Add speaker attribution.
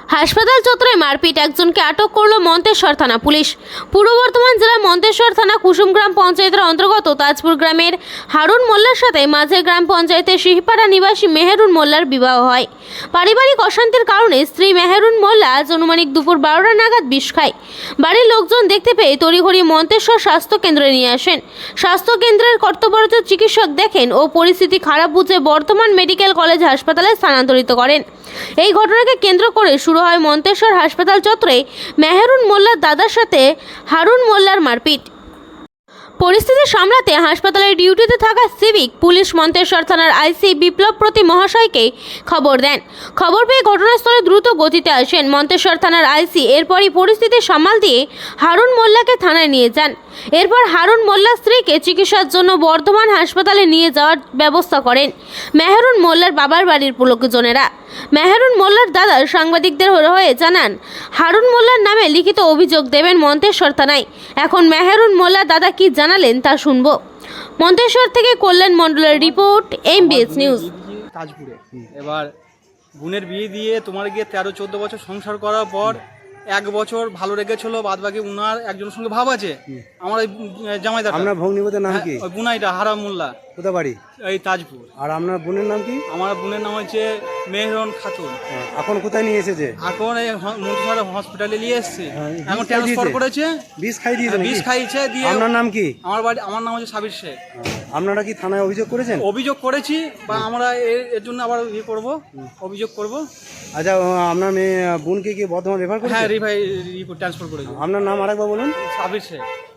Speaker 1: হাসপাতাল চত্বরে মারপিট, একজনকে আটক করল মন্তেশ্বর থানা পুলিশ। পূর্ব বর্ধমান জেলার মন্তেশ্বর থানা কুসুমগ্রাম পঞ্চায়েতের অন্তর্গত তাজপুর গ্রামের হারুন মোল্লার সাথে মাঝের গ্রাম পঞ্চায়েতের সিহিপাড়া নিবাসী মেহেরুন মোল্লার বিবাহ হয়। পারিবারিক অশান্তির কারণে স্ত্রী মেহেরুন মোল্লা আজ অনুমানিক দুপুর 12টা নাগাদ বিষ খায়। বাড়ির লোকজন দেখতে পেয়ে তড়িঘড়ি মন্তেশ্বর স্বাস্থ্য কেন্দ্রে নিয়ে আসেন। স্বাস্থ্য কেন্দ্রের কর্তব্যরত চিকিৎসক দেখেন ও পরিস্থিতি খারাপ বুঝে বর্ধমান মেডিকেল কলেজ হাসপাতালে স্থানান্তরিত করেন। এই ঘটনাকে কেন্দ্র করে শুরু হয় মন্তেশ্বর হাসপাতাল চত্বরে মেহেরুন মোল্লার দাদার সাথে হারুন মোল্লার মারপিট। পরিস্থিতি সামলাতে হাসপাতালের ডিউটিতে থাকা সিভিক পুলিশ মন্তেশ্বর থানার আইসি বিপ্লব প্রতি মহাশয়কে খবর দেন। খবর পেয়ে ঘটনাস্থলে দ্রুত গতিতে আসেন মন্তেশ্বর থানার আইসি। এরপরই পরিস্থিতি সামাল দিয়ে হারুন মোল্লাকে থানায় নিয়ে যান। এরপর হারুন মোল্লার স্ত্রীকে চিকিৎসার জন্য বর্ধমান হাসপাতালে নিয়ে যাওয়ার ব্যবস্থা করেন মেহেরুন মোল্লার বাবার বাড়ির লোকজনেরা। মেহেরুন মোল্লার দাদা সাংবাদিকদের হয়ে জানান, হারুন মোল্লার নামে লিখিত অভিযোগ দেবেন মন্তেশ্বর থানায়। এখন মেহেরুন মোল্লার দাদা কি জানালেন তা শুনব। মন্তেশ্বর থেকে কল্যাণ মণ্ডলের রিপোর্ট, এমবিএস নিউজ।
Speaker 2: তাজপুরে এবার বোনের বিয়ে দিয়ে তোমার গিয়ে 13-14 বছর সংসার করার পর 1 বছর ভালো রেখেছিল, বাদ বাকি উনার একজনের সঙ্গে ভাব আছে। আমার ওই জামাইদার,
Speaker 3: আপনার ভগ্নিপতির নাম কি?
Speaker 2: ওই বুনাইটা হারাম মোল্লা।
Speaker 3: কোথা বাড়ি?
Speaker 2: এই তাজপুর।
Speaker 3: আর আপনার বোনের নাম কি?
Speaker 2: আমার বোনের নাম হচ্ছে মেহরুন খাতুন।
Speaker 3: এখন কোথায় নিয়ে এসেছে?
Speaker 2: এখন এই মন্তেশ্বর হসপিটালে নিয়ে এসেছে। এখন ট্রান্সফার করেছে।
Speaker 3: বিষ খাই দিয়েছে?
Speaker 2: বিষ খাইছে দিয়ে।
Speaker 3: আপনার নাম কি?
Speaker 2: আমার নাম হচ্ছে সাবির শেখ।
Speaker 3: আপনারা কি থানায় অভিযোগ করেছেন?
Speaker 2: অভিযোগ করেছি, বা আমরা এর জন্য আবার ইয়ে করব, অভিযোগ করব।
Speaker 3: আচ্ছা, আপনার মেয়ে বোনকে কি বর্ধমান রেফার করেছে?
Speaker 2: হ্যাঁ, রিভাই ট্রান্সফার করেছি।
Speaker 3: আপনার নাম আরেকবার বলুন।
Speaker 2: সাবির শেখ।